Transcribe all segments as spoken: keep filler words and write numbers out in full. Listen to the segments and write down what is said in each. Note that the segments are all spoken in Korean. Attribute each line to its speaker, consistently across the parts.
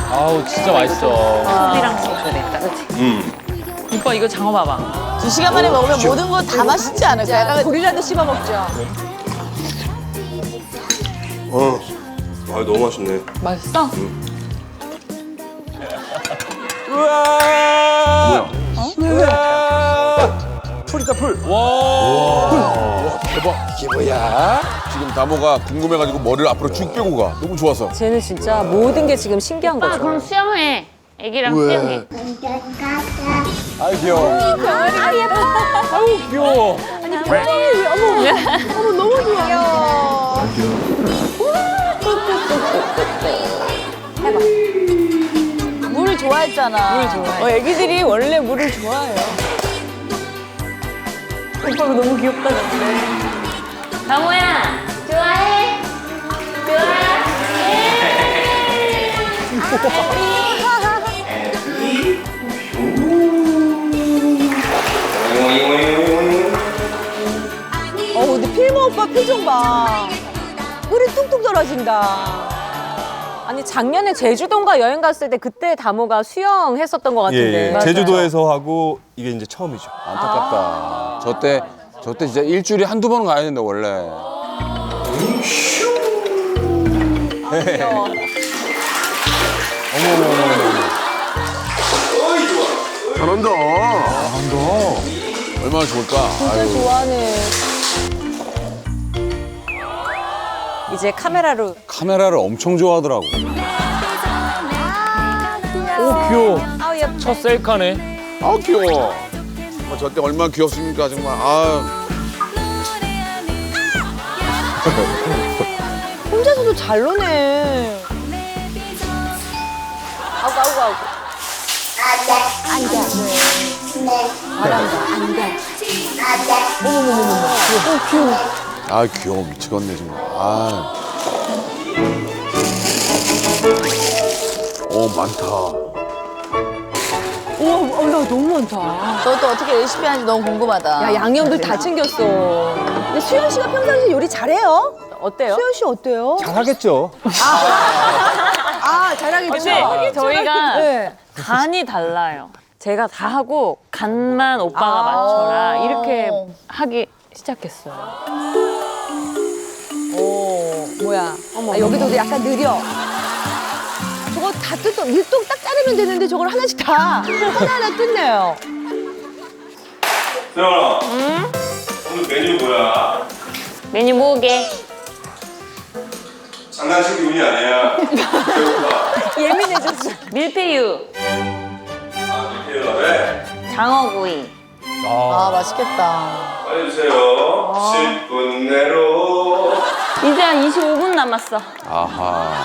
Speaker 1: 아우 진짜 맛있어.
Speaker 2: 소비랑 소주 됐다, 그치?
Speaker 3: 음.
Speaker 2: 오빠 이거 장어 봐봐.
Speaker 4: 두 시간 만에 먹으면 모든 거 다 맛있지 않을까? 약간 고릴라도 씹어 먹죠.
Speaker 3: 어. 아 너무 맛있네.
Speaker 2: 맛있어?
Speaker 3: 우와.
Speaker 5: 풀이다 풀.
Speaker 6: 이게 뭐야? 지금 다모가 궁금해가지고 머리를 앞으로 쭉 빼고 가. 너무 좋아서.
Speaker 7: 쟤는 진짜 모든 게 지금 신기한
Speaker 2: 오빠
Speaker 7: 거죠.
Speaker 2: 그럼 수영해. 애기랑
Speaker 6: 왜?
Speaker 2: 수영해.
Speaker 6: 아이 귀여워.
Speaker 1: 아우 귀여워.
Speaker 4: 어머 너무 좋아. 귀여워. 물을 좋아했잖아.
Speaker 2: 물 좋아해.
Speaker 4: 어, 애기들이 원래 물을 좋아해요.
Speaker 2: 오빠가 너무 귀엽다, 근데. 다모야, 좋아해?
Speaker 4: 어 근데 필모 오빠 표정 봐. 물이 뚝뚝 떨어진다.
Speaker 7: 아니 작년에 제주도인가 여행 갔을 때 그때 다모가 수영했었던 것 같은데.
Speaker 5: 예, 예. 제주도에서 하고 이게 이제 처음이죠.
Speaker 6: 안타깝다. 저때 저때 진짜 일주일에 한두 번은 가야 된다 원래.
Speaker 3: 잘한다.
Speaker 6: 얼마나 좋을까.
Speaker 7: 진짜
Speaker 6: 아유.
Speaker 7: 좋아하네. 이제 카메라로
Speaker 6: 카메라를 엄청 좋아하더라고.
Speaker 1: 오 귀여워.
Speaker 7: 아우 예뻐.
Speaker 1: 첫 셀카네.
Speaker 6: 아 귀여워. 정말 저때 얼마나 귀엽습니까 정말. 아.
Speaker 4: 혼자서도 잘 노네.
Speaker 7: 아우 아우 아우.
Speaker 6: 아 귀여워 미치겠네 정말. 아. 오 많다.
Speaker 4: 우와, 어, 나 너무 많다. 저도 어떻게 레시피 하는지 너무 궁금하다.
Speaker 7: 야 양념들 다 챙겼어.
Speaker 4: 근데 수현 씨가 평상시에 요리 잘해요?
Speaker 7: 어때요?
Speaker 4: 수현 씨 어때요?
Speaker 5: 잘하겠죠.
Speaker 4: 아, 잘하겠죠?
Speaker 2: 근데 저희가
Speaker 4: 네.
Speaker 2: 간이 달라요. 제가 다 하고 간만 오빠가
Speaker 4: 아.
Speaker 2: 맞춰라. 이렇게 하기 시작했어요.
Speaker 4: 오, 뭐야. 아, 여기도 약간 느려. 저거 다 뜯어, 밀동 딱 자르면 되는데 저걸 하나씩 다 하나하나 뜯네요.
Speaker 3: 세연아. 응? 오늘 메뉴 뭐야?
Speaker 2: 메뉴 뭐게?
Speaker 3: 장난칠 기분이 아니야. 배고파.
Speaker 4: 예민해졌어.
Speaker 2: 밀푀유,
Speaker 3: 아 이렇게 왜?
Speaker 2: 장어구이.
Speaker 4: 아, 맛있겠다.
Speaker 3: 빨리 주세요. 십 분 내로.
Speaker 2: 이제 한 이십오 분 남았어.
Speaker 6: 아하.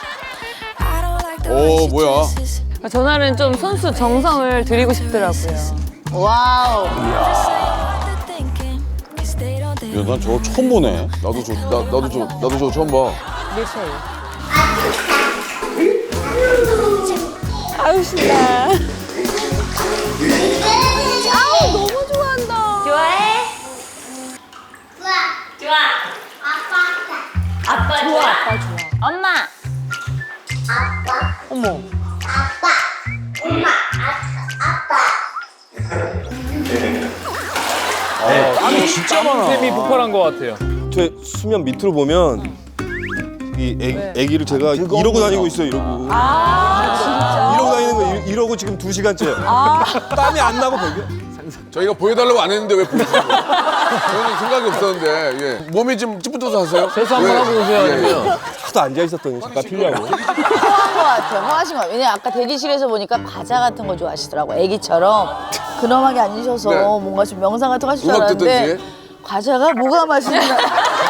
Speaker 6: 오 뭐야?
Speaker 2: 전날은 좀 손수 정성을 들이고 싶더라고요.
Speaker 4: 와우.
Speaker 6: 야, 난 저거 처음 보네. 나도 저, 나, 나도 저, 나도 저거 처음 봐.
Speaker 4: 아유, 신나. 아우, 너무 좋아한다.
Speaker 2: 좋아해? 좋아. 좋아. 아빠. 아빠 좋아. 아빠 좋아. 엄마.
Speaker 4: 어머.
Speaker 1: 땀이 진짜 많아. 땀이 폭발한 것 같아요.
Speaker 5: 제 수면 밑으로 보면 이 애기, 애기를 제가 이러고 다니고 있어요. 이러고. 이러고 다니는 거 이- 이러고 지금 두 시간째. 땀이 안 나고 별게.
Speaker 6: 저희가 보여달라고 안 했는데 왜 보여주세요? 저는 생각이 없었는데 예. 몸이 좀 찌뿌듯 하세요?
Speaker 1: 세수 한번 하고 오세요.
Speaker 6: 예.
Speaker 1: 아니면.
Speaker 5: 하도 앉아 있었더니 잠깐 피려고.
Speaker 4: 토한 것 같아요. 토하신 것 같아요. 왜냐면 아까 대기실에서 보니까 과자 같은 거 좋아하시더라고. 애기처럼 근엄하게 앉으셔서
Speaker 6: 네.
Speaker 4: 뭔가 좀 명상 같은 거 하실 줄
Speaker 6: 음악
Speaker 4: 알았는데
Speaker 6: 듣든지.
Speaker 4: 과자가 뭐가 맛있나.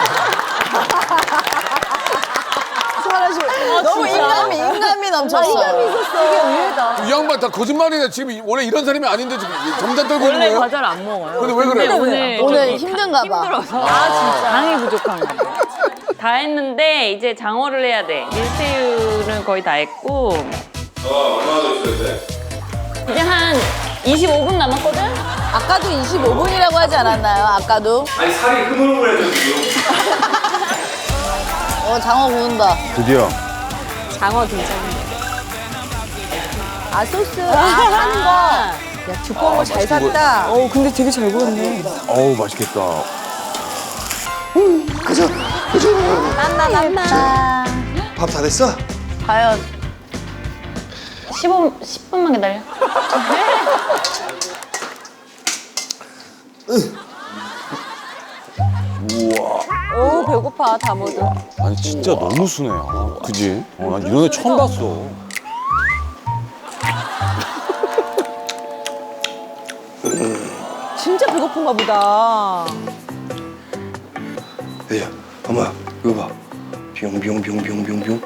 Speaker 4: 너무 인간미, 인간미 넘쳤어. 인간미 있었어. 이게 의외다.
Speaker 6: 이 양반 다 거짓말이네. 지금 원래 이런 사람이 아닌데 지금 정단 떨고 있는
Speaker 2: 원래
Speaker 6: 거예요?
Speaker 2: 과자를 안 먹어요.
Speaker 6: 근데 왜 그래요?
Speaker 2: 오늘
Speaker 4: 오늘
Speaker 2: 좀
Speaker 4: 힘든가 봐.
Speaker 2: 힘들어서. 아 진짜. 당이 부족한 거. 다 했는데 이제 장어를 해야 돼. 밀푀유는 거의 다 했고
Speaker 3: 너 얼마나 더 있어야 돼?
Speaker 2: 이제 한 이십오 분 남았거든?
Speaker 4: 아까도 이십오 분이라고 하지 않았나요? 아까도?
Speaker 3: 아니 살이 흐물흐물해져 지금.
Speaker 4: 어, 장어 구운다.
Speaker 5: 드디어.
Speaker 7: 장어 등장.
Speaker 4: 아 소스 아, 하는 거. 야 두꺼운 거 잘 샀다.
Speaker 7: 어 근데 되게 잘 구웠네.
Speaker 6: 어우 맛있겠다.
Speaker 4: 맘마 맘마.
Speaker 5: 밥 다 됐어?
Speaker 2: 과연 십오, 십 분만 기다려.
Speaker 7: 오 배고파 다모도.
Speaker 8: 아니 진짜 너무 순해. 아, 그지? 어, 난 이런 애 처음 봤어.
Speaker 4: 진짜 배고픈가 보다.
Speaker 5: 야, 엄마 이거 봐. 뿅뿅뿅뿅뿅뿅.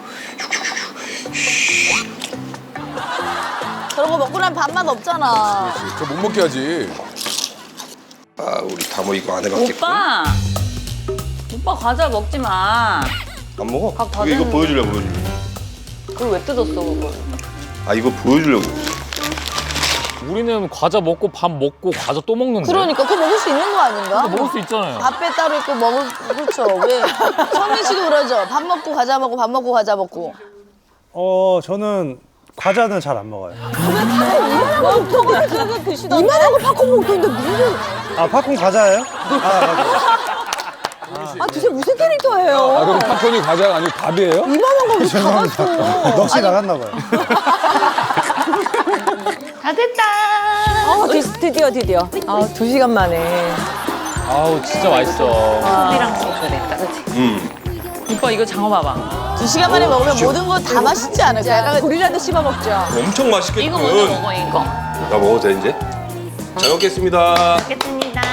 Speaker 4: 저런 거 먹고 나면 밥맛 없잖아.
Speaker 6: 저 못 먹게 하지.
Speaker 5: 아 우리 다모 이거 안 해봤겠고.
Speaker 2: 오빠! 오빠 과자 먹지 마.
Speaker 5: 안 먹어?
Speaker 2: 밥다
Speaker 5: 이거, 이거
Speaker 2: 됐는데.
Speaker 5: 보여주려고 보여주려고.
Speaker 2: 그걸 왜 뜯었어, 그걸?
Speaker 5: 아 이거 보여주려고.
Speaker 1: 우리는 과자 먹고 밥 먹고 과자 또 먹는데.
Speaker 4: 그러니까 그거 먹을 수 있는 거 아닌가?
Speaker 1: 먹을 수 있잖아요.
Speaker 4: 밥배 따로 있고 먹을 그렇죠. 왜 성민 씨도 그러죠. 밥 먹고 과자 먹고 밥 먹고 과자 먹고.
Speaker 9: 어 저는 과자는 잘 안 먹어요.
Speaker 4: 저거 저거 드시던데. 이만한 거 팝콘 먹던데 무슨?
Speaker 9: 아 팝콘 과자예요? 아 맞아요.
Speaker 4: 아 도대체 무슨 캐릭터예요?
Speaker 6: 아 그럼 팝콘이 과자가 아니고 밥이에요?
Speaker 4: 이만한 거 무슨 다 갔어.
Speaker 9: 넋이 나갔나 봐요.
Speaker 2: 다 됐다!
Speaker 7: 어 드, 드디어 드디어.
Speaker 4: 아두 시간 만에.
Speaker 1: 아우 진짜 맛있어.
Speaker 2: 소비랑 진짜 됐다, 그치?
Speaker 5: 음.
Speaker 2: 오빠 이거 장어 봐봐.
Speaker 4: 두 시간 만에 먹으면 모든 거 다 맛있지 않을까? 약간 고리라도 씹어 먹죠.
Speaker 5: 엄청 맛있겠군.
Speaker 2: 이거 먼저 먹어, 이거.
Speaker 5: 나 먹어도 돼 이제? 잘 먹겠습니다.
Speaker 2: 먹겠습니다.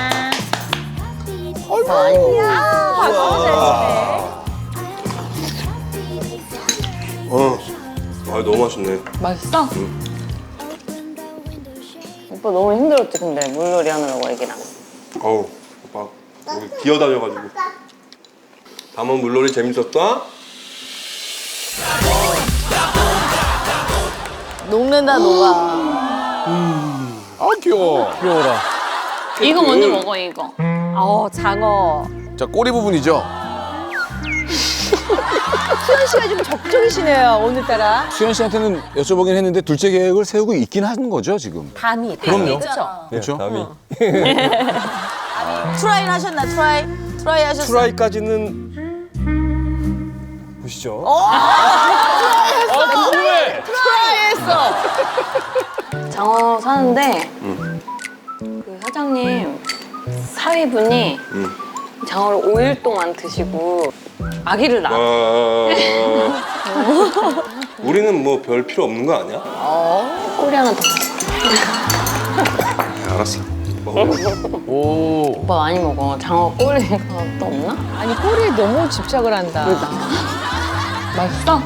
Speaker 5: 어. 아 너무 맛있네.
Speaker 2: 맛있어? 오빠 너무 힘들었지, 근데 물놀이 하느라고 애기랑.
Speaker 5: 어우 오빠 여기 기어다녀가지고. 담원 물놀이 재밌었다?
Speaker 4: 녹는다 녹아.
Speaker 6: 아 귀여워.
Speaker 1: 귀여워라.
Speaker 2: 이거 먼저 먹어, 이거.
Speaker 7: 어 장어.
Speaker 6: 자 꼬리 부분이죠.
Speaker 4: 수현 씨가 좀 적극적이시네요 오늘따라.
Speaker 8: 수현 씨한테는 여쭤보긴 했는데 둘째 계획을 세우고 있긴 하는 거죠 지금?
Speaker 7: 담이.
Speaker 8: 그럼요.
Speaker 7: 그렇죠.
Speaker 8: 그렇죠.
Speaker 5: 담이.
Speaker 4: 트라이 하셨나 트라이? 트라이 하셨어요?
Speaker 5: 트라이까지는
Speaker 9: 보시죠.
Speaker 1: 아 궁금해.
Speaker 2: 장어 사는데 그 사장님 사위분이 장어를 오 일 동안 드시고 아기를 낳아.
Speaker 5: 아... 우리는 뭐 별 필요 없는 거 아니야?
Speaker 2: 꼬리 하나 더.
Speaker 5: 네, 알았어. 먹어.
Speaker 6: 오.
Speaker 2: 오빠 많이 먹어. 장어 꼬리가 또 없나?
Speaker 7: 아니 꼬리에 너무 집착을 한다.
Speaker 2: 맛있어?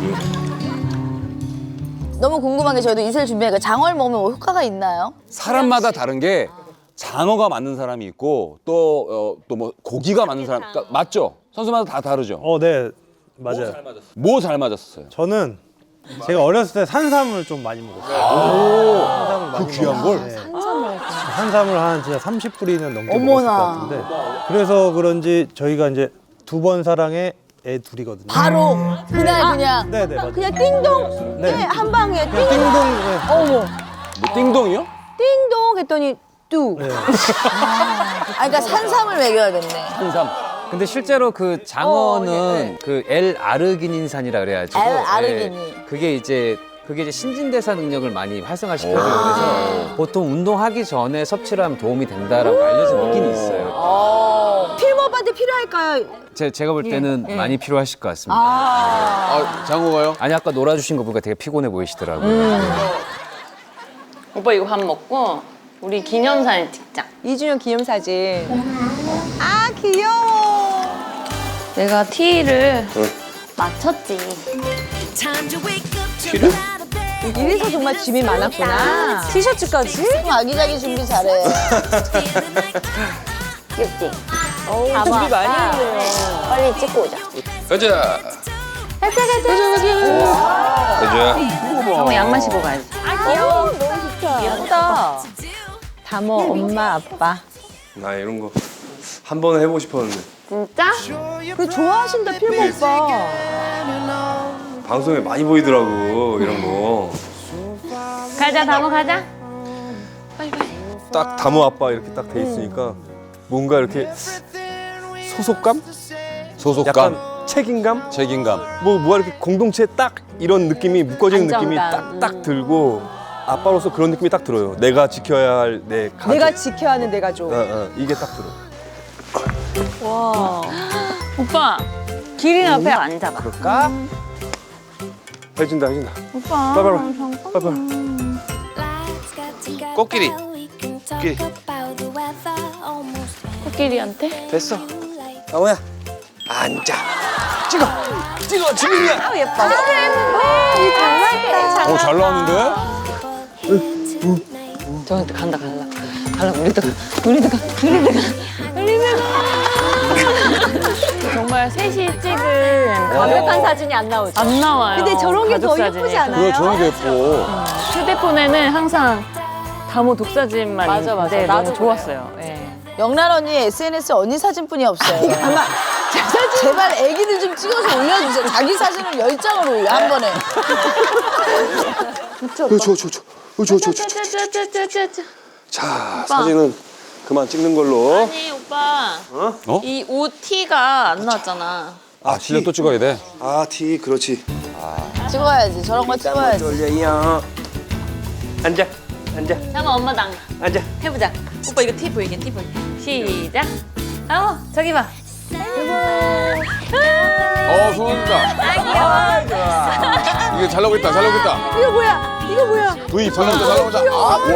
Speaker 4: 너무 궁금한 게 저희도 이슬 준비하니까 장어를 먹으면 뭐 효과가 있나요?
Speaker 8: 사람마다 다른 게 장어가 맞는 사람이 있고 또 또 뭐 고기가 맞는 사람 그러니까 맞죠? 선수마다 다 다르죠.
Speaker 9: 어 네 맞아요.
Speaker 8: 뭐 잘 맞았어요?
Speaker 9: 저는 제가 어렸을 때 산삼을 좀 많이 먹었어요. 산삼을 많이
Speaker 8: 그 귀한 걸?
Speaker 9: 네. 산삼을 한 진짜 삼십 뿌리는 넘게
Speaker 4: 어머나.
Speaker 9: 먹었을 것 같은데 그래서 그런지 저희가 이제 두 번 사랑에 애 둘이거든요.
Speaker 4: 바로 그날 그냥
Speaker 9: 네네 맞아요.
Speaker 4: 그냥 띵동
Speaker 9: 네.
Speaker 4: 네, 한 방에 띵.
Speaker 9: 그냥 띵동. 네.
Speaker 4: 어머
Speaker 8: 뭐 띵동이요?
Speaker 4: 띵동 했더니 뚜.
Speaker 9: 네.
Speaker 4: 아 그러니까 산삼을 먹여야겠네.
Speaker 8: 한삼.
Speaker 10: 근데 실제로 그 장어는
Speaker 4: 어, 예, 예.
Speaker 10: 그 L 아르기닌산이라 그래가지고
Speaker 4: L-아르기닌.
Speaker 10: 예, 그게 이제 그게 이제 신진대사 능력을 많이 활성화시켜줘요. 그래서 보통 운동하기 전에 섭취를 하면 도움이 된다라고 알려진 있긴 있어요.
Speaker 4: 어. 필모 오빠한테 필요할까요?
Speaker 10: 제, 제가 볼 때는 많이 필요하실 것 같습니다.
Speaker 6: 아 장어가요?
Speaker 10: 아니 아까 놀아주신 거 보니까 되게 피곤해 보이시더라고요.
Speaker 2: 오빠 이거 밥 먹고 우리 기념사진 찍자.
Speaker 4: 이 주년 기념사진. 아 귀여워.
Speaker 2: 내가 티를 맞췄지.
Speaker 4: 이래서 정말 짐이 많았구나.
Speaker 7: 티셔츠까지?
Speaker 4: 아기자기 준비 잘해.
Speaker 2: 귀엽지?
Speaker 7: 어, 준비 많이 했네요.
Speaker 2: 빨리 찍고 오자.
Speaker 5: 가자.
Speaker 2: 가자 가자.
Speaker 5: 가자.
Speaker 2: 장어 양말 신고 가야지.
Speaker 7: 귀여워. 너무 좋다. 귀엽다.
Speaker 4: 다모 엄마 아빠.
Speaker 5: 나 이런 거 한 번 해보고 싶었는데
Speaker 2: 진짜?
Speaker 4: 그 좋아하신다 필모 오빠.
Speaker 5: 방송에 많이 보이더라고 이런 거.
Speaker 2: 가자 다모 가자.
Speaker 5: 딱 다모 아빠 이렇게 딱 돼 있으니까 뭔가 이렇게 소속감?
Speaker 8: 소속감,
Speaker 5: 약간 책임감?
Speaker 8: 책임감.
Speaker 5: 뭐, 뭐 이렇게 공동체 딱 이런 느낌이 묶어지는 느낌이
Speaker 7: 안정감.
Speaker 5: 딱딱 들고 아빠로서 그런 느낌이 딱 들어요. 내가 지켜야 할 내 가족.
Speaker 4: 내가 지켜야 하는 내 가족.
Speaker 5: 어, 어, 이게 딱 들어.
Speaker 2: 오빠 기린 앞에 앉아봐.
Speaker 5: 그럴까? 해진다, 해진다.
Speaker 2: 오빠.
Speaker 5: 빨리, 빨리, 빨리.
Speaker 3: 코끼리.
Speaker 11: 코끼리.
Speaker 2: 코끼리한테?
Speaker 3: 됐어. 다모야. 앉아. 찍어. 찍어. 지금이야.
Speaker 7: 아 예뻐.
Speaker 8: 어, 잘 나왔는데?
Speaker 2: 저한테 간다 간다. 갈라 우리도 가. 우리도 가. 우리도 가. 우리도 가. 정말 셋이 찍은
Speaker 7: 완벽한 사진이 안 나오죠.
Speaker 2: 안 나와요.
Speaker 4: 근데 저런 게 더
Speaker 2: 가족
Speaker 4: 예쁘지
Speaker 2: 사진이.
Speaker 4: 않아요?
Speaker 8: 그거 저런 게 예뻐.
Speaker 2: 휴대폰에는 항상 다모 독사진만
Speaker 7: 맞아, 맞아.
Speaker 2: 있는데
Speaker 7: 나도
Speaker 2: 너무 좋았어요. 예.
Speaker 11: 영란 언니 에스엔에스에 언니 사진뿐이 없어요.
Speaker 4: 아마 제 사진
Speaker 11: 제발 애기들 좀 찍어서 올려주세요. 자기 사진을 열 장을 올려 한 번에.
Speaker 5: 저, 저, 저, 저, 저, 저, 저, 저.
Speaker 2: 짜짜짜짜짜짜.
Speaker 5: 자, 사진은 그만 찍는 걸로.
Speaker 2: 아니 오빠.
Speaker 5: 어?
Speaker 8: 어?
Speaker 2: 이 옷 티가 안 나왔잖아.
Speaker 8: 아, 실력 또 찍어야 돼.
Speaker 5: 아, 티, 그렇지.
Speaker 11: 찍어야지. 저런 거 찍어야지.
Speaker 3: 돌려요. 앉아. 앉아.
Speaker 2: 잠깐 엄마 당
Speaker 3: 앉아.
Speaker 2: 해보자. 오빠 이거 티 보이게 티 보이게. 시작. 어 저기 봐.
Speaker 6: 어, 손흥민다. 이게 잘 나오고 있다, 잘 나오고 있다.
Speaker 4: 이거 뭐야? 이거 뭐야?
Speaker 8: V,
Speaker 6: 잘 나온다, 잘 나온다. 아,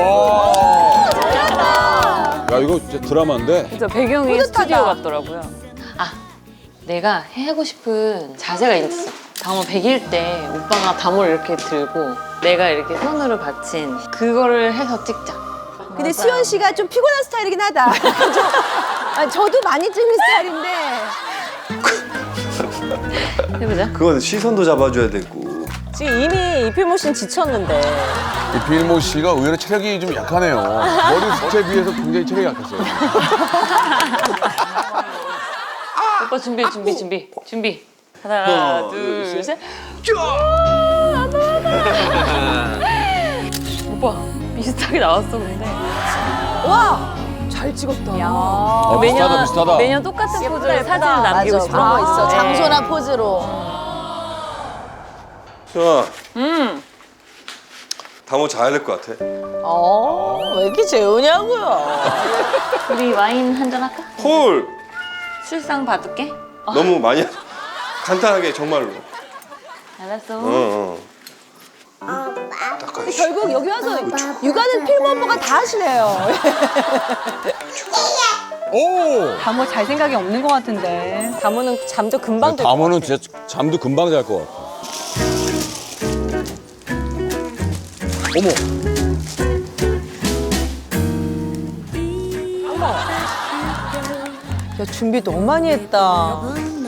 Speaker 6: 와.
Speaker 8: 야, 이거 진짜 드라마인데?
Speaker 2: 진짜 배경이
Speaker 4: 뿌듯하다.
Speaker 2: 스튜디오 같더라고요. 아 내가 하고 싶은 자세가 있어. 다모 백 일 때 오빠가 다모를 이렇게 들고 내가 이렇게 손으로 받친 그거를 해서 찍자.
Speaker 4: 근데 수연 씨가 좀 피곤한 스타일이긴 하다. 저, 아, 저도 많이 찍는 스타일인데.
Speaker 2: 해보자.
Speaker 5: 그건 시선도 잡아줘야 되고.
Speaker 7: 지금 이미 이필모 씨는 지쳤는데.
Speaker 6: 이 빌모 씨가 의외로 체력이 좀 약하네요. 머리 숱에 비해서 굉장히 체력이 약했어요.
Speaker 2: 오빠 준비 준비 준비 준비. 하나 둘 셋. 오빠 비슷하게 나왔어 근데.
Speaker 4: 와, 잘 찍었다.
Speaker 8: 어, 비슷하다, 비슷하다.
Speaker 2: 매년 똑같은 포즈로 사진을 남기고
Speaker 11: 맞아.
Speaker 2: 싶어.
Speaker 11: 그런 거 있어.
Speaker 2: 네.
Speaker 11: 장소나 포즈로.
Speaker 5: 수연아,
Speaker 2: 음.
Speaker 5: 다모 자야 될 것 같아.
Speaker 11: 어, 왜 이렇게 재우냐고요.
Speaker 2: 우리 와인 한잔 할까?
Speaker 5: 콜!
Speaker 2: 술상 받을게.
Speaker 5: 너무 많이, 하- 간단하게, 정말로.
Speaker 2: 알았어.
Speaker 5: 어, 어.
Speaker 4: 근데 결국 여기 와서 육아는 필모 오빠가 다 하시네요.
Speaker 6: 오!
Speaker 4: 다모 잘 생각이 없는 것 같은데.
Speaker 7: 다모는 잠도 금방 들 것
Speaker 8: 다모는
Speaker 7: 같아.
Speaker 8: 진짜 잠도 금방 잘 것 같아. 어머.
Speaker 7: 야, 준비 너무 많이 했다.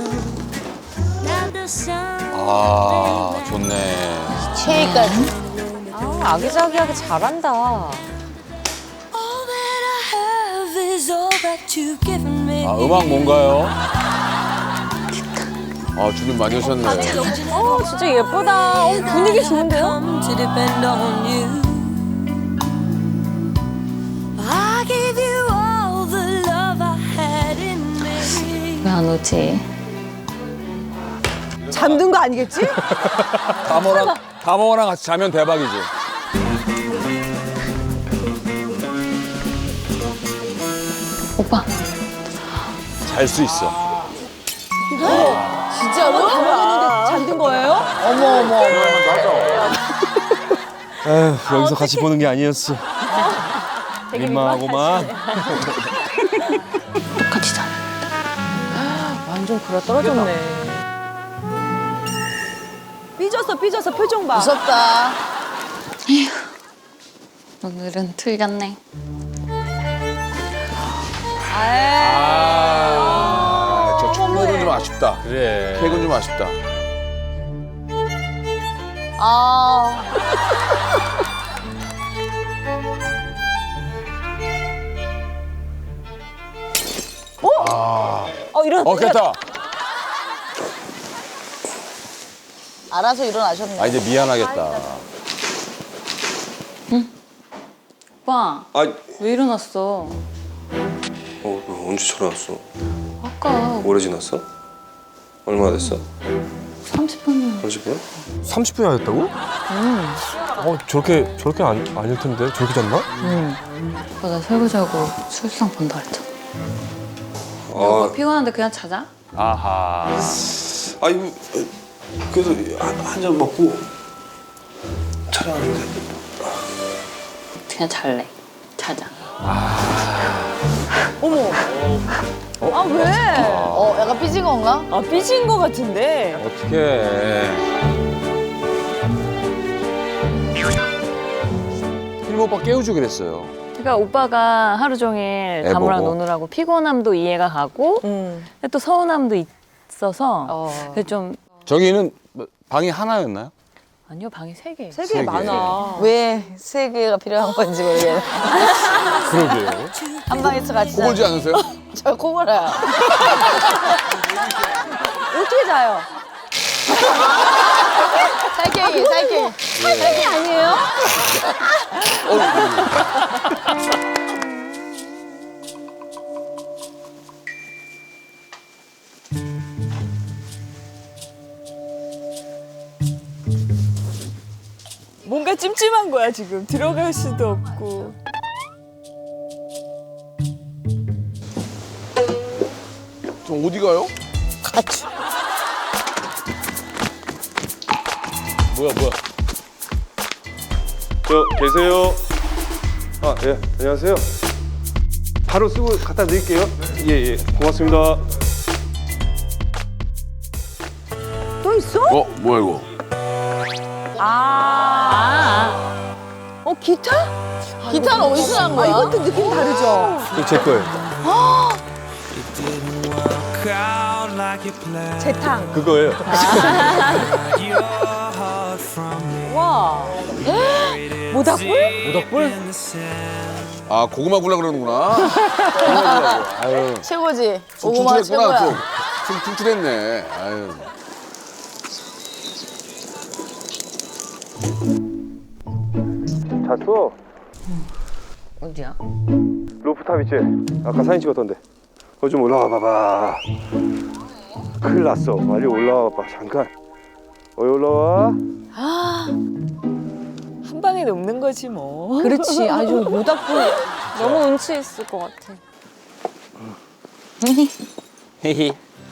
Speaker 8: 아, 좋네.
Speaker 11: 체이까지.
Speaker 7: 아, 아기자기하게 잘한다.
Speaker 8: 아, 음악 뭔가요?
Speaker 6: 아, 준비 많이 하셨네.
Speaker 7: 어, 진짜 예쁘다. 어, 분위기 좋은데요?
Speaker 2: 왜 안 오지?
Speaker 4: 잠든 거 아니겠지?
Speaker 8: 다모랑, 다모랑 같이 자면 대박이지.
Speaker 2: 오빠.
Speaker 8: 잘 수 있어.
Speaker 11: 진짜로?
Speaker 4: 다모였는데 잠든 거예요?
Speaker 11: 어머, 어머.
Speaker 5: 에휴, 여기서 같이 보는 게 아니었어. 민망하고만.
Speaker 2: 똑같이 자.
Speaker 7: 완전 그래 떨어졌네.
Speaker 4: 삐졌어, 삐졌어. 표정 봐.
Speaker 11: 무섭다.
Speaker 2: 오늘은 틀렸네.
Speaker 6: 아, 저 촛불은 좀 아쉽다.
Speaker 1: 그래.
Speaker 6: 케이크는 좀 아쉽다.
Speaker 11: 아.
Speaker 7: 어, 이런.
Speaker 8: 어, 됐다.
Speaker 11: 알아서 일어나셨네.
Speaker 8: 아, 이제 미안하겠다.
Speaker 2: 오빠
Speaker 5: 아,
Speaker 2: 왜 일어났어?
Speaker 5: 어, 언제 전화 왔어?
Speaker 2: 아까
Speaker 5: 오래 지났어? 얼마나 됐어?
Speaker 2: 삼십 분이면.
Speaker 5: 삼십 분? 삼십 분이나 됐다고? 음. 어, 저렇게 저렇게 안, 아닐 텐데. 저렇게 잤나?
Speaker 2: 응. 오빠 나 설거지하고 술상 본다 그랬잖아.
Speaker 5: 아,
Speaker 2: 오빠 피곤한데 그냥 자자.
Speaker 1: 아하.
Speaker 5: 아 이거 그래도 한 잔 먹고 촬영하는데.
Speaker 2: 그냥 잘래. 자자.
Speaker 4: 어머. 아 왜?
Speaker 11: 어, 약간 삐진 건가?
Speaker 7: 아 삐진 거 같은데.
Speaker 1: 어떡해.
Speaker 8: 필모 오빠 깨우주 그랬어요.
Speaker 2: 그러니까 오빠가 하루 종일
Speaker 8: 애
Speaker 2: 다모랑
Speaker 8: 보고.
Speaker 2: 노느라고 피곤함도 이해가 가고
Speaker 7: 음.
Speaker 2: 근데 또 서운함도 있어서
Speaker 11: 어.
Speaker 2: 그래서 좀
Speaker 8: 저기는 뭐 방이 하나였나요?
Speaker 2: 아니요 방이 세 개.
Speaker 7: 세
Speaker 8: 세
Speaker 7: 개
Speaker 8: 개.
Speaker 7: 많아.
Speaker 11: 왜 세 개가 필요한 건지 모르겠네.
Speaker 1: 그러게요.
Speaker 11: 한 방에서 같이
Speaker 6: 코 골지 않으세요?
Speaker 11: 저 코골아요.
Speaker 4: 어떻게 자요?
Speaker 11: 살쾡이, 살쾡이.
Speaker 4: 살쾡이 아니에요?
Speaker 7: 뭔가 찜찜한 거야 지금. 들어갈 수도 없고.
Speaker 6: 저 어디 가요?
Speaker 1: 뭐야 뭐야.
Speaker 5: 저 계세요. 아, 예, 안녕하세요. 바로 쓰고 갖다 드릴게요. 예, 예, 고맙습니다.
Speaker 4: 또 있어?
Speaker 6: 어 뭐야 이거?
Speaker 4: 아. 어 기타?
Speaker 11: 기타는 어디서 난
Speaker 4: 아
Speaker 11: 거야?
Speaker 4: 이것도 느낌 다르죠?
Speaker 5: 이거 제 거예요.
Speaker 4: 재탕.
Speaker 5: 그거예요.
Speaker 7: 와. 모닥불?
Speaker 1: 모닥불?
Speaker 6: 아 고구마 굴라 그러는구나. 고구마 굴라고. 아유.
Speaker 11: 최고지.
Speaker 6: 좀
Speaker 11: 고구마
Speaker 6: 퉁퉁했구나.
Speaker 11: 최고야.
Speaker 6: 좀, 좀 퉁퉁했네. 아유.
Speaker 5: 잤어?
Speaker 2: 어디야?
Speaker 5: 루프탑 있지? 아까 사진 찍었던데. 거기 좀 올라와 봐봐. 큰일 났어. 빨리 올라와 봐. 잠깐. 어디 올라와?
Speaker 7: 한 방에 녹는 거지 뭐.
Speaker 4: 그렇지. 아주 모닥불.
Speaker 2: 너무 운치 있을 것 같아.
Speaker 8: 헤헤.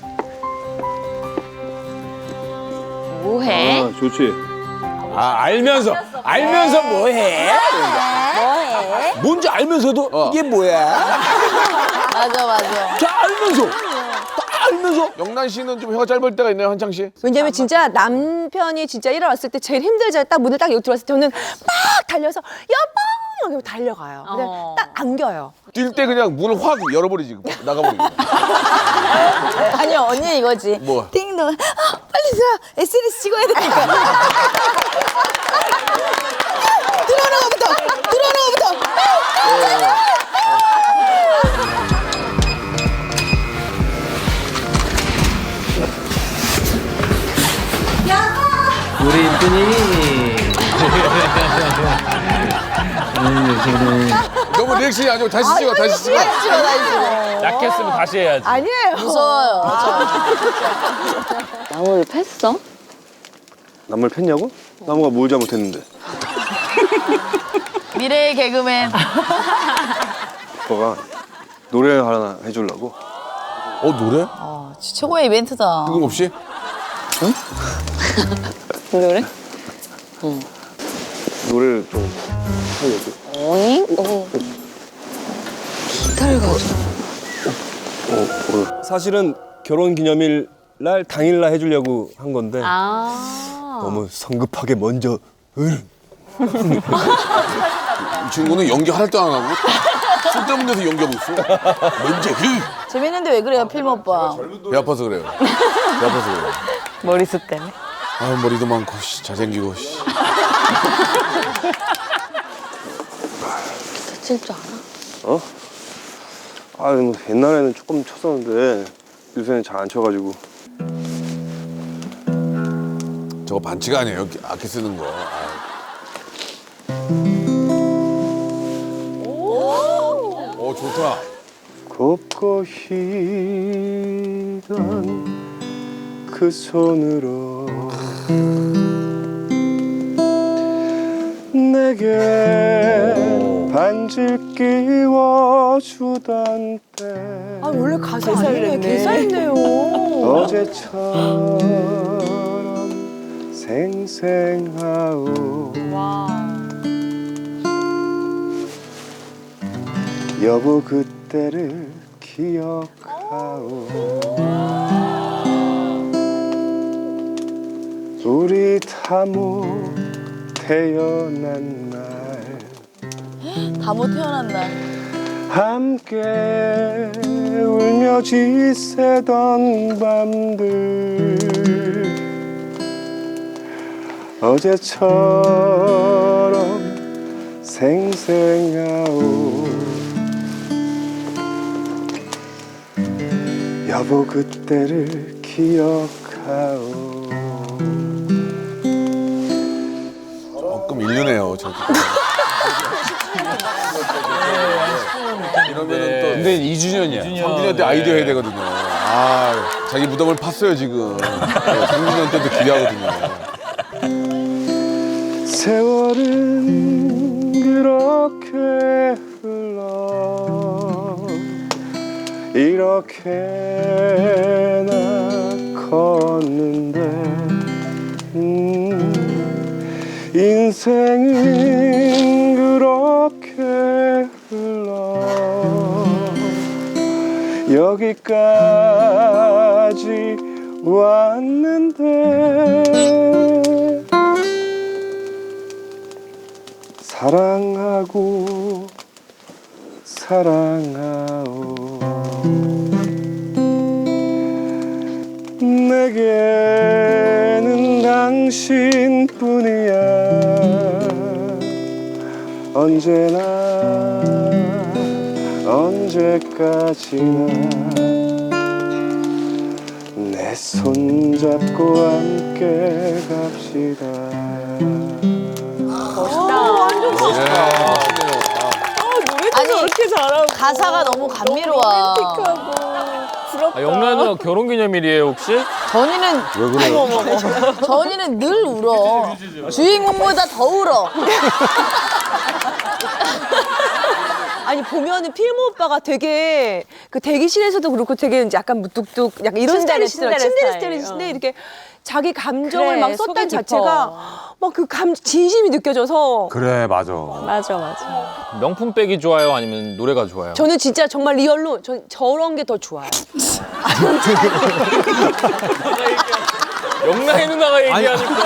Speaker 2: 뭐해?
Speaker 5: 아, 좋지.
Speaker 8: 아 알면서 알면서 뭐해?
Speaker 4: 뭐해?
Speaker 8: 뭔지 알면서도
Speaker 6: 어.
Speaker 8: 이게 뭐야?
Speaker 11: 맞아, 맞아.
Speaker 8: 다 알면서 다 알면서
Speaker 6: 영란 씨는 좀 혀가 짧을 때가 있나요, 한창 씨?
Speaker 4: 왜냐면 진짜 남편이 진짜 일어났을 때 제일 힘들잖아요. 딱 문을 딱 여기 들어왔을 때 저는 막 달려서 여보! 이러고 달려가요. 근데
Speaker 2: 어.
Speaker 4: 딱 안겨요.
Speaker 6: 뛸 때 그냥 문을 확 열어버리지, 나가버리지.
Speaker 11: 아니, 언니 이거지.
Speaker 6: 뭐?
Speaker 11: 띵동. 아, 빨리 들어. 에스엔에스 찍어야 되니까. 들어오는 거부터. 들어오는 거부터.
Speaker 10: 우리 인분이
Speaker 6: 너무 리액션이 아니고 다시 찍어, 다시 찍어.
Speaker 11: 다시 찍어, 다시 찍어.
Speaker 1: 약했으면 다시 해야지.
Speaker 4: 아니에요.
Speaker 11: 무서워요.
Speaker 2: 나무를 팼어?
Speaker 5: 나무를 팼냐고? 나무가 뭘 잘못했는데?
Speaker 11: 미래의 개그맨.
Speaker 5: 오빠가 노래 하나 해주려고.
Speaker 6: 어, 노래?
Speaker 11: 어, 진짜 최고의 이벤트다.
Speaker 6: 뜬금없이?
Speaker 2: 노래?
Speaker 5: 노래를 좀 하려고.
Speaker 2: 어이? 어. 기타를 가져.
Speaker 5: 어, 사실은 결혼 기념일 날 당일날 해주려고 한 건데
Speaker 2: 아.
Speaker 5: 너무 성급하게 먼저 을.
Speaker 6: 이 친구는 연기 하나도 안 하고 쓸데없는 데서 연기하고 있어. 먼저 히!
Speaker 11: 재밌는데 왜 그래요, 필모 오빠?
Speaker 6: 배 아파서 그래요. 배 아파서 그래요.
Speaker 2: 머리숱 때문에.
Speaker 6: 아 머리도 많고 씨, 잘생기고 씨.
Speaker 2: 기타 칠 줄 알아?
Speaker 5: 어? 아, 뭐 옛날에는 조금 쳤었는데 요새는 잘 안 쳐가지고.
Speaker 6: 저거 반치가 아니에요. 악기 쓰는 거. 아. 좋다.
Speaker 5: 곱고 희던 그 손으로 내게 반지를 끼워주던 때
Speaker 4: 아 원래 가사 아니네. 개사했네요.
Speaker 5: 어제처럼 생생하오 여보 그때를 기억하오 우리 다모 태어난 날
Speaker 11: 다못 태어난 날.
Speaker 5: 함께 울며 지새던 밤들 어제처럼 생생하오 여보 그때를 기억하오
Speaker 6: 조금 일르네요. 저. 이러면은 또
Speaker 8: 근데 이 주년이야.
Speaker 6: 상준이한테 아이디어 해야 되거든요. 아, 자기 무덤을 팠어요 지금. 네, 상준이한테도 기대하거든요.
Speaker 5: 세월은 그렇게 흘러 이렇게나 걷는데 음, 인생은 그렇게 흘러 여기까지 왔는데 사랑하고 사랑하오 내게는 당신뿐이야 언제나 언제까지나 내 손잡고 함께 갑시다
Speaker 11: 아니 가사가 너무 감미로워.
Speaker 1: 아, 영란이 결혼기념일이에요 혹시?
Speaker 11: 전이는
Speaker 6: 왜 그래요?
Speaker 11: 전이는 늘 울어. 주인공보다 더 울어.
Speaker 4: 아니 보면은 필모 오빠가 되게 그 대기실에서도 그렇고 되게 이제 약간 무뚝뚝 약간 이런
Speaker 7: 침대레,
Speaker 4: 스타일이시더라고요.
Speaker 7: 침대레
Speaker 4: 침대레
Speaker 7: 스타일.
Speaker 4: 스타일이신데 이렇게 자기 감정을
Speaker 7: 그래,
Speaker 4: 막
Speaker 7: 속이
Speaker 4: 썼다는
Speaker 7: 깊어.
Speaker 4: 자체가 막 그 감 진심이 느껴져서
Speaker 8: 그래 맞아.
Speaker 7: 맞아 맞아.
Speaker 1: 명품백이 좋아요 아니면 노래가 좋아요?
Speaker 4: 저는 진짜 정말 리얼로 전 저런 게 더 좋아요.
Speaker 1: 영란이 누나가 얘기하니까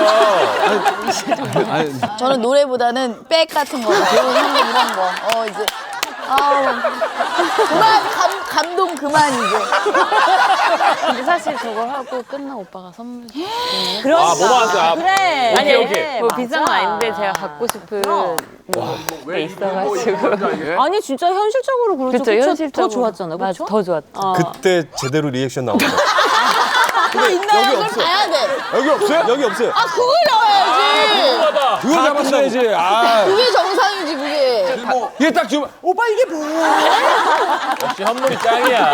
Speaker 11: 저는 노래보다는 백 같은 거, 좋은 현금 이런 거. 어 이제 아우 그만 감, 감동 그만 이제.
Speaker 2: 근데 사실 저걸 하고 끝나 오빠가 선물.
Speaker 1: 아 뭐만 아,
Speaker 7: 그래.
Speaker 1: 오케이 오케이
Speaker 2: 뭐 비싼 건 아닌데 제가 갖고 싶은 게 있어가지고.
Speaker 7: 아니 진짜 현실적으로 그렇죠.
Speaker 2: 그쵸,
Speaker 7: 그쵸?
Speaker 2: 현실적으로.
Speaker 7: 더 좋았잖아. 그렇죠?
Speaker 2: 더 좋았죠.
Speaker 5: 그때 제대로 리액션 나온다
Speaker 11: 그거 있나요? 그걸 봐야 돼.
Speaker 5: 여기 없어요? 여기 없어요
Speaker 11: 아 그걸 넣어야지.
Speaker 8: 그걸 잡았어야지. 아.
Speaker 11: 그게 정상이지 그게.
Speaker 8: 얘 딱 주면 오빠 이게 뭐야?
Speaker 1: 역시 현물이 짱이야.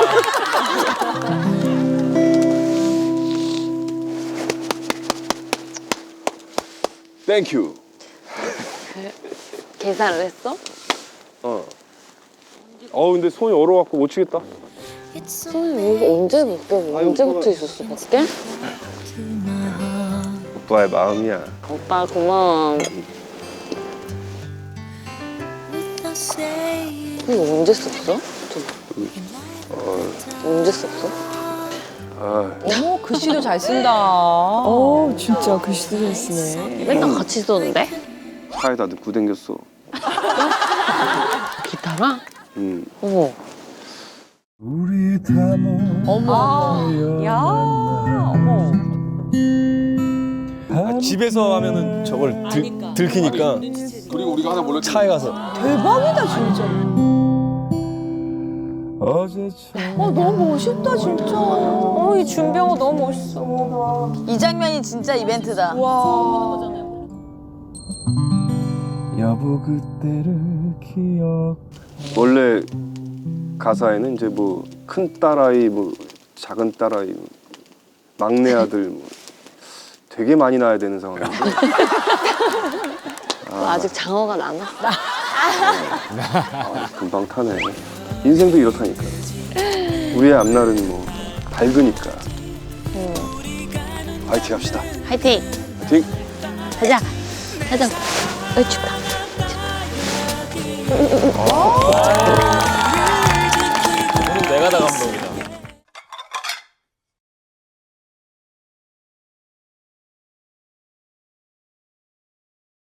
Speaker 5: 땡큐
Speaker 2: 계산을 했어?
Speaker 5: 어. 어 근데 손이 얼어갖고 못 치겠다
Speaker 2: 손이 이거 언제 밖에 언제부터 있었어 밖에?
Speaker 5: 오빠의 마음이야
Speaker 2: 오빠 고마워. 이거 언제 썼어?
Speaker 5: 어,
Speaker 2: 언제 썼어?
Speaker 5: 아,
Speaker 4: 어머 글씨도 잘 쓴다.
Speaker 11: 어 진짜 글씨도 잘 쓰네.
Speaker 2: 맨날 같이 썼는데?
Speaker 5: 차에다 넣고 댕겼어
Speaker 2: 기타랑?
Speaker 5: 음.
Speaker 2: 어머.
Speaker 5: 우리 다모
Speaker 11: 어머.
Speaker 7: 야 어머.
Speaker 5: 아, 집에서 하면은 저걸 들, 들키니까
Speaker 6: 그리고 우리가 하나 몰랐지.
Speaker 5: 차에 가서
Speaker 4: 대박이다 진짜.
Speaker 5: 어제처럼
Speaker 4: 어 너무 멋있다 진짜.
Speaker 7: 어이 준병호 너무 멋있어.
Speaker 11: 이 장면이 진짜 이벤트다.
Speaker 4: 와.
Speaker 5: 여보 그때를 기억 원래 가사에는 이제 뭐 큰 딸아이, 뭐 작은 딸아이, 뭐 막내 아들 뭐 되게 많이 낳아야 되는 상황인데
Speaker 2: 아, 아직 장어가 남았어.
Speaker 5: 아, 금방 타네. 인생도 이렇다니까. 우리의 앞날은 뭐 밝으니까. 화이팅 합시다.
Speaker 2: 화이팅!
Speaker 5: 화이팅!
Speaker 2: 가자! 가자! 어, 춥다.